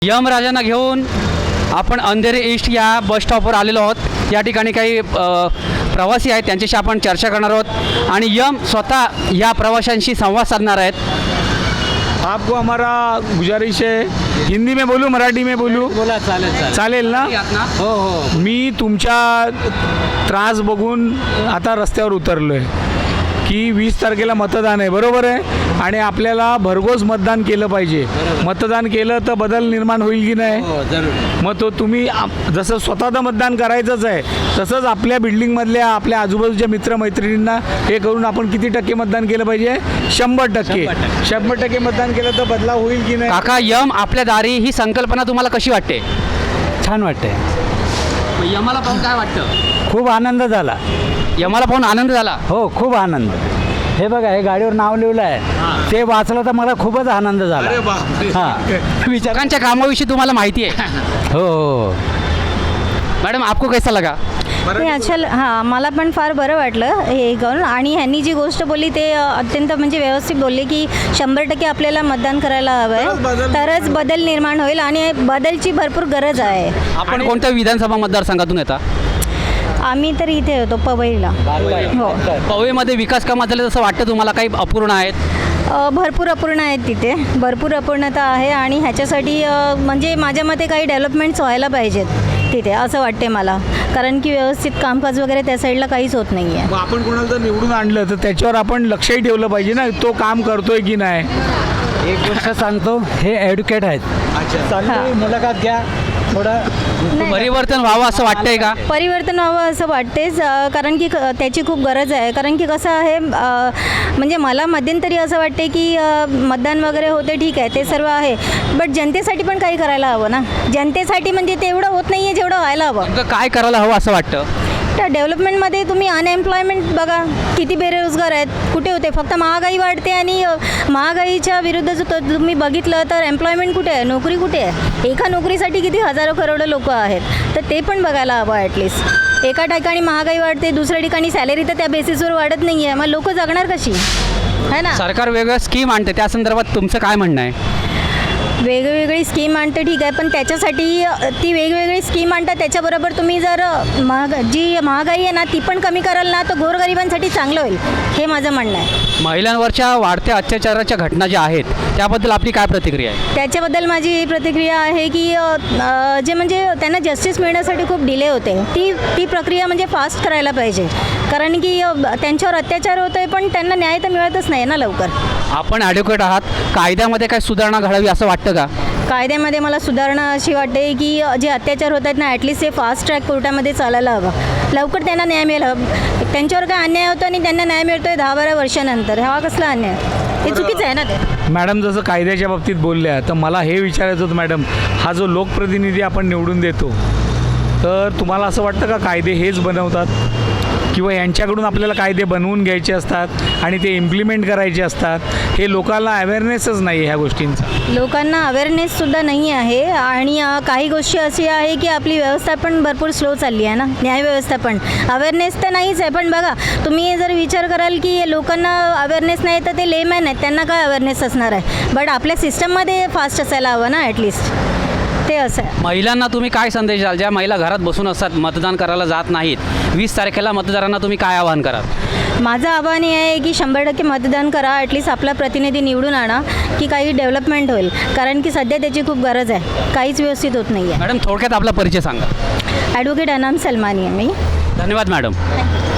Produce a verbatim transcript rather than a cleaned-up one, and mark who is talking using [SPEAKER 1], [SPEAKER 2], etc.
[SPEAKER 1] M राजांना घेऊन आपण अंधेरी ईस्ट या बस स्टॉपवर आलेलो आहोत। या ठिकाणी काही अ, प्रवासी आहेत, त्यांच्याशी आपण चर्चा करणार आहोत आणि यम स्वतः या प्रवाशांशी संवाद साधणार आहेत।
[SPEAKER 2] आपको हमारा गुजारिश है, हिंदी में बोलूँ मराठी में बोलूँ?
[SPEAKER 3] बोला चालेल चालेल
[SPEAKER 2] चालेल ना?
[SPEAKER 3] हो हो
[SPEAKER 2] मी तुमच्या त्रास बघून आता रस्त्यावर उतरलो आहे की वीस तारखेला मतदान आहे, बरोबर आहे, आणि आपल्याला भरघोस मतदान केलं पाहिजे। मतदान केलं तर बदल निर्माण होईल की नाही?
[SPEAKER 3] हो जरूर।
[SPEAKER 2] मग तो तुम्ही आप- जसं स्वतःचं मतदान करायचंच आहे, तसंच आपल्या बिल्डिंगमधल्या आपल्या आजूबाजूच्या मित्रमैत्रिणींना हे करून आपण किती टक्के मतदान केलं पाहिजे? शंभर टक्के शंभर टक्के मतदान केलं तर बदलाव होईल की नाही?
[SPEAKER 1] काका, यम आपल्या दारी ही संकल्पना तुम्हाला कशी वाटते?
[SPEAKER 4] छान वाटते,
[SPEAKER 1] यमाला पाहून काय वाटतं?
[SPEAKER 4] खूप आनंद झाला।
[SPEAKER 1] यमाला पाहून आनंद झाला?
[SPEAKER 4] हो, खूप आनंद। हे बघा, हे गाडीवर नाव लिहिलं आहे, ते वाचलं तर मला खूपच आनंद झाला। हां,
[SPEAKER 1] विचारांच्या कामाविषयी तुम्हाला माहिती आहे?
[SPEAKER 4] हो हो।
[SPEAKER 1] मॅडम, आपको कैसा लगा?
[SPEAKER 5] ते अच्छा हां, मला पण फार बरं वाटलं हे करून। आणि ह्यांनी जी गोष्ट बोलली ते अ, अत्यंत म्हणजे व्यवस्थित बोलले की शंभर टक्के आपल्याला मतदान करायला हवं आहे, तरच बदल निर्माण होईल आणि बदलची भरपूर गरज आहे।
[SPEAKER 1] आपण कोणत्या विधानसभा मतदारसंघातून येता?
[SPEAKER 5] आम्ही तर इथे होतो पवईला। हो,
[SPEAKER 1] पवईमध्ये विकास कामात झाले असं वाटतं तुम्हाला? काही अपूर्ण आहेत?
[SPEAKER 5] अ, भरपूर अपूर्ण आहेत तिथे, भरपूर अपूर्णता आहे आणि ह्याच्यासाठी अ, म्हणजे माझ्या मते काही डेव्हलपमेंट्स व्हायला पाहिजेत तिथे, असं वाटते मला, कारण की व्यवस्थित कामकाज वगैरे त्या साईडला काहीच होत नाही आहे।
[SPEAKER 2] मग आपण कोणाला जर निवडून आणलं तर त्याच्यावर आपण लक्षही ठेवलं पाहिजे ना, तो काम करतोय की नाही।
[SPEAKER 4] एक गोष्ट सांगतो, हे ॲड्व्होकेट आहेत, चांगली मुलाखत घ्या थोडं।
[SPEAKER 5] नाही,
[SPEAKER 1] परिवर्तन व्हावं असं वाटतंय का?
[SPEAKER 5] परिवर्तन व्हावं असं वाटतेच, अ, कारण की क- त्याची खूप गरज आहे। कारण की कसं आहे, अ, म्हणजे मला मध्यंतरी असं वाटते की अ, मतदान वगैरे होते, ठीक आहे, ते सर्व आहे, बट जनतेसाठी पण काही करायला हवं ना। जनतेसाठी म्हणजे तेवढं होत नाही आहे जेवढं व्हायला हवं।
[SPEAKER 1] नेमकं काय करायला हवं असं वाटतं?
[SPEAKER 5] तर डेव्हलपमेंटमध्ये तुम्ही अनएम्प्लॉयमेंट बघा, किती बेरोजगार आहेत, कुठे होते? फक्त महागाई वाढते आणि अ, महागाईच्या विरुद्ध जर त- तुम्ही बघितलं तर एम्प्लॉयमेंट कुठे आहे, नोकरी कुठे आहे? एका नोकरीसाठी किती हजारो करोडो लोक आहेत, तर ते पण बघायला हवं ॲटलिस्ट। एका ठिकाणी महागाई वाढते, दुसऱ्या ठिकाणी सॅलरी तर त्या बेसिसवर वाढत नाही आहे, मग लोक जगणार कशी, है ना?
[SPEAKER 1] सरकार वेगळ्या स्कीम आणते, त्या संदर्भात तुमचं काय म्हणणं आहे?
[SPEAKER 5] वेगवेगळी स्कीम आणतं, ठीक आहे, पण त्याच्यासाठी अ, ती वेगवेगळी स्कीम आणतात, त्याच्याबरोबर तुम्ही जर अ, महाग जी महागाई आहे ना ती पण कमी कराल ना, तर गोरगरिबांसाठी चांगलं होईल, हे माझं म्हणणं आहे।
[SPEAKER 1] महिलांवरच्या वाढत्या अत्याचाराच्या घटना ज्या आहेत त्याबद्दल आपली काय प्रतिक्रिया आहे?
[SPEAKER 5] त्याच्याबद्दल माझी प्रतिक्रिया आहे की अ, अ, जे म्हणजे त्यांना जस्टिस मिळण्यासाठी खूप डिले होते, ती ती प्रक्रिया म्हणजे फास्ट करायला पाहिजे, कारण की अ, त्यांच्यावर अत्याचार होतो आहे पण त्यांना न्याय तर मिळतच नाही ना लवकर।
[SPEAKER 1] आपण ॲडव्होकेट आहात, कायद्यामध्ये काय सुधारणा घडावी असं वाटतं का?
[SPEAKER 5] कायद्यामध्ये मला सुधारणा अशी वाटते की अ, जे अत्याचार होत आहेत ना, ॲटलिस्ट ते फास्ट ट्रॅक कोर्टामध्ये चालायला हवं, लवकर त्यांना न्याय मिळेल हवं। त्यांच्यावर काय अन्याय होतो आणि त्यांना न्याय मिळतो आहे दहा बारा वर्षानंतर, हा कसला अन्याय? हे चुकीचं आहे ना ते।
[SPEAKER 2] मॅडम जसं कायद्याच्या बाबतीत बोलल्या, तर मला हे विचारायचं होतं मॅडम, हा जो लोकप्रतिनिधी आपण निवडून देतो, तर तुम्हाला असं वाटतं का कायदे हेच बनवतात, किंवा यांच्याकडून आपल्याला कायदे बनवून घ्यायचे असतात आणि ते इम्प्लिमेंट करायचे असतात? हे लोकांना अवेअरनेसच नाही आहे ह्या गोष्टींचा।
[SPEAKER 5] लोकांना अवेअरनेससुद्धा नाही आहे आणि अ, काही गोष्टी अशी आहे की आपली व्यवस्था पण भरपूर स्लो चालली आहे ना, न्यायव्यवस्था पण। अवेअरनेस तर नाहीच आहे, पण बघा तुम्ही जर विचार कराल की लोकांना अवेअरनेस नाही तर ते लेमॅन आहेत, त्यांना काय अवेअरनेस असणार आहे? बट आपल्या सिस्टममध्ये फास्ट असायला हवं ना ॲटलिस्ट, ते असं आहे।
[SPEAKER 1] महिलांना तुम्ही काय संदेश द्याल, ज्या महिला घरात बसून असतात, मतदान करायला जात नाहीत? वीस तारखेला मतदारांना तुम्ही काय आवाहन कराल?
[SPEAKER 5] माझं आव्हान हे आहे की शंभर टक्के मतदान करा, ॲटलिस्ट आपला प्रतिनिधी निवडून आणा की काही डेव्हलपमेंट होईल, कारण की सध्या त्याची खूप गरज आहे, काहीच व्यवस्थित होत नाही आहे।
[SPEAKER 1] मॅडम, थोडक्यात आपला परिचय सांगा.
[SPEAKER 5] ॲडव्होकेट अनाम सलमानी आहे मी।
[SPEAKER 1] धन्यवाद मॅडम.